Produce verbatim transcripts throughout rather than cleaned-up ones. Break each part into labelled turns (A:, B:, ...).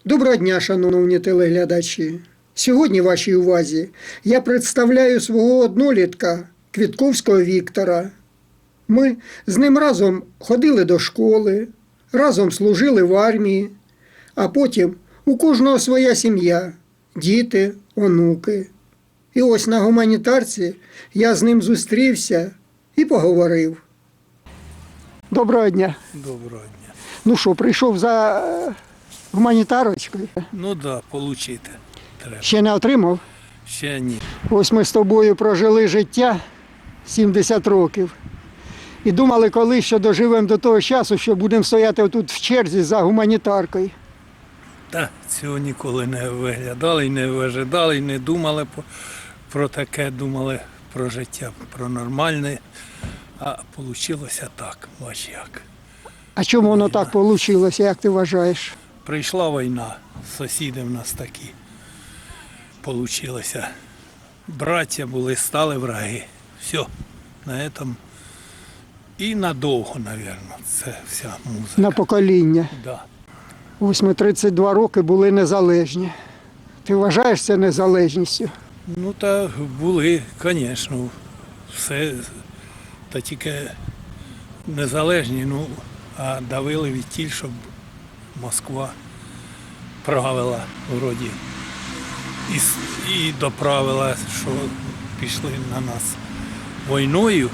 A: Доброго дня, шановні телеглядачі! Сьогодні вашій увазі я представляю свого однолітка Квітковського Віктора. Ми з ним разом ходили до школи, разом служили в армії, а потім у кожного своя сім'я, діти, онуки. І ось на гуманітарці я з ним зустрівся і поговорив. Доброго дня!
B: Доброго дня.
A: Ну що, прийшов за е, гуманітарочкою?
B: Ну так, да, получити треба.
A: Ще не отримав?
B: Ще ні.
A: Ось ми з тобою прожили життя сімдесят років. І думали колись, що доживемо до того часу, що будемо стояти тут в черзі за гуманітаркою.
B: Та цього ніколи не виглядали, і не вижидали, і не думали про, про таке, думали про життя, про нормальне. А вийшло так, бач як.
A: А чому воно так вийшло, як ти вважаєш?
B: Прийшла війна, сусіди в нас такі. Получилося. Браття були, стали враги. Все, на цьому. І надовго, мабуть, це вся музика.
A: На покоління.
B: Да.
A: Ось ми тридцять два роки були незалежні. Ти вважаєш це незалежністю?
B: Ну так були, звісно, все, та тільки незалежні, ну, а давили від тіль, щоб Москва правила вроді і, с- і доправила, що пішли на нас війною.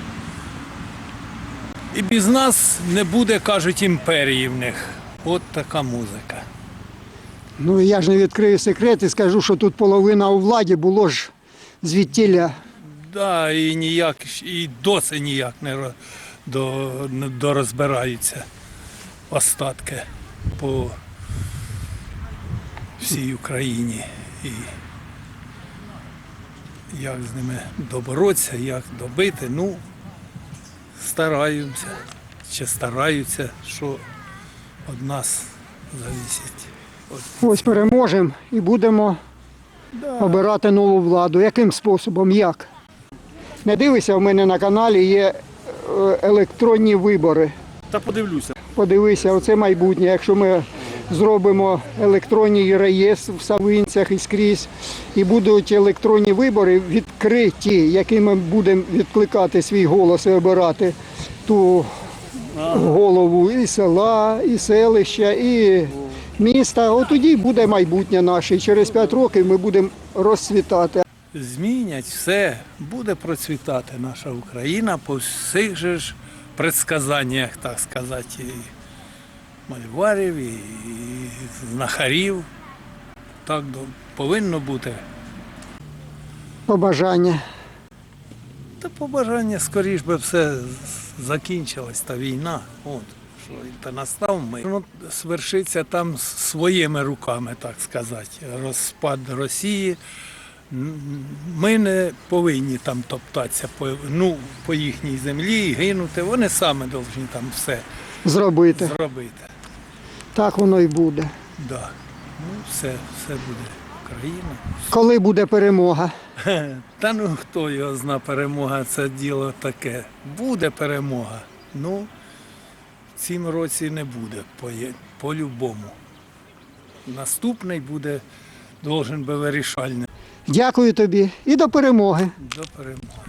B: І без нас не буде, кажуть, імперії в них. От така музика.
A: Ну я ж не відкрию секрет і скажу, що тут половина у владі було ж звідтіля.
B: Да, і ніяк, і досі ніяк не ро- до, не дорозбираються остатки по всій Україні. І як з ними доборотися, як добити, ну, стараємося, чи стараються, що від нас залежить. От,
A: Ось переможемо і будемо
B: да.
A: обирати нову владу. Яким способом? Як? Не дивися, в мене на каналі є е, електронні вибори.
C: Та подивлюся.
A: Подивися, оце майбутнє. Якщо ми зробимо електронний реєстр в Савинцях і скрізь, і будуть електронні вибори відкриті, якими будемо відкликати свій голос і обирати ту голову і села, і селища, і міста, от тоді буде майбутнє наше. І через п'ять років ми будемо розцвітати.
B: Змінять все, буде процвітати наша Україна по всіх же ж предсказаннях, так сказати, і мальварів, і знахарів. Так до- повинно бути.
A: Побажання.
B: Та побажання, скоріш би все з- закінчилась та війна. От, що і та настав ми. Воно свершиться там своїми руками, так сказати. Розпад Росії. М, Ми не повинні там топтатися по, ну, по їхній землі, гинути. Вони самі повинні там все
A: Зробити.
B: зробити.
A: Так воно і буде.
B: Да. Ну, все, все буде Україна.
A: Коли буде перемога?
B: Та ну хто його зна, перемога, це діло таке. Буде перемога. Ну, в цім році не буде, по- по-любому. Наступний буде, должен би вирішальний.
A: Дякую тобі і до перемоги.
B: До перемоги.